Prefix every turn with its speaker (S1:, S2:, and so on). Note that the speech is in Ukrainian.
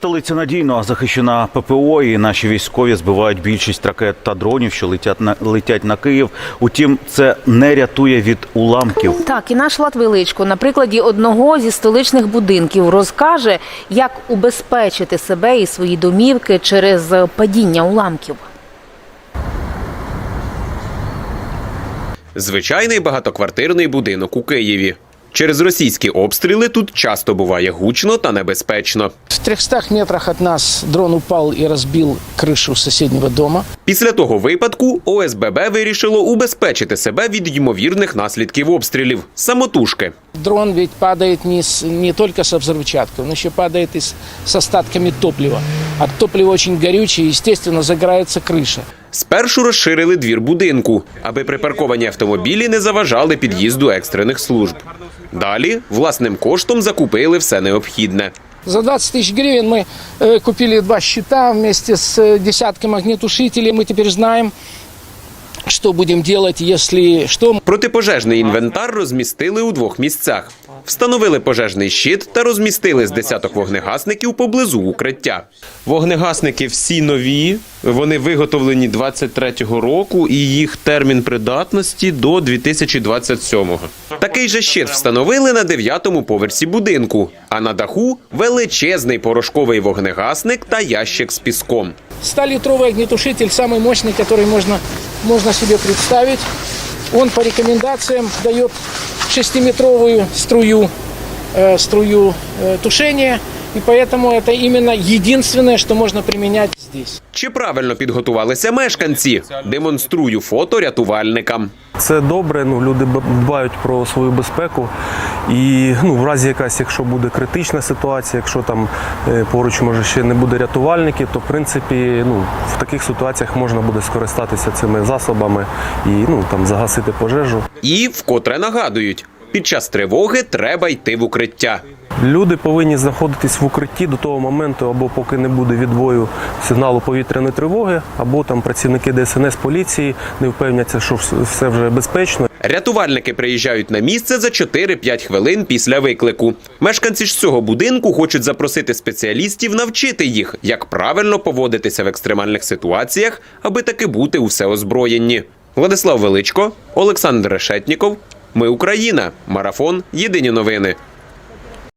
S1: Столиця надійно захищена ППО, і наші військові збивають більшість ракет та дронів, що летять на Київ. Утім, це не рятує від уламків.
S2: Так, і наш Влад Величко на прикладі одного зі столичних будинків розкаже, як убезпечити себе і свої домівки через падіння уламків.
S3: Звичайний багатоквартирний будинок у Києві. Через російські обстріли тут часто буває гучно та небезпечно.
S4: В 300 метрах от нас дрон упал и разбил крышу соседнего дома.
S3: Після того випадку ОСББ вирішило убезпечити себе від ймовірних наслідків обстрілів – самотужки.
S4: Дрон ведь падает не только со взрывчаткой, он еще падает и с остатками топлива. А топливо очень горючее, естественно, загорается крыша.
S3: Спершу розширили двір будинку, аби припарковані автомобілі не заважали під'їзду екстрених служб. Далі власним коштом закупили все необхідне.
S4: За 20 тысяч гривен мы купили 2 щита вместе с десятком огнетушителей. Мы теперь знаем, що будемо робити, якщо що.
S3: Протипожежний інвентар розмістили у 2 місцях. Встановили пожежний щит та розмістили з десяток вогнегасників поблизу укриття. Вогнегасники всі нові, вони виготовлені 23-го року і їх термін придатності до 2027-го. Такий же щит встановили на 9-му поверсі будинку, а на даху величезний порошковий вогнегасник та ящик з піском.
S4: 100-литровый огнетушитель, самый мощный, который можно себе представить. Он по рекомендациям дает 6-метровую струю тушения. И поэтому это именно единственное, что можно применять здесь.
S3: Чи правильно підготувалися мешканці? Демонструю фото рятувальникам.
S5: Це добре, люди дбають про свою безпеку і в разі якщо буде критична ситуація, якщо там поруч може ще не буде рятувальників, то в принципі в таких ситуаціях можна буде скористатися цими засобами і загасити пожежу.
S3: І вкотре нагадують, під час тривоги треба йти в укриття.
S5: Люди повинні знаходитись в укритті до того моменту, або поки не буде відбою сигналу повітряної тривоги, або там працівники ДСНС, поліції не впевняться, що все вже безпечно.
S3: Рятувальники приїжджають на місце за 4-5 хвилин після виклику. Мешканці ж цього будинку хочуть запросити спеціалістів навчити їх, як правильно поводитися в екстремальних ситуаціях, аби таки бути усе озброєнні. Владислав Величко, Олександр Решетніков. Ми Україна. Марафон. Єдині новини.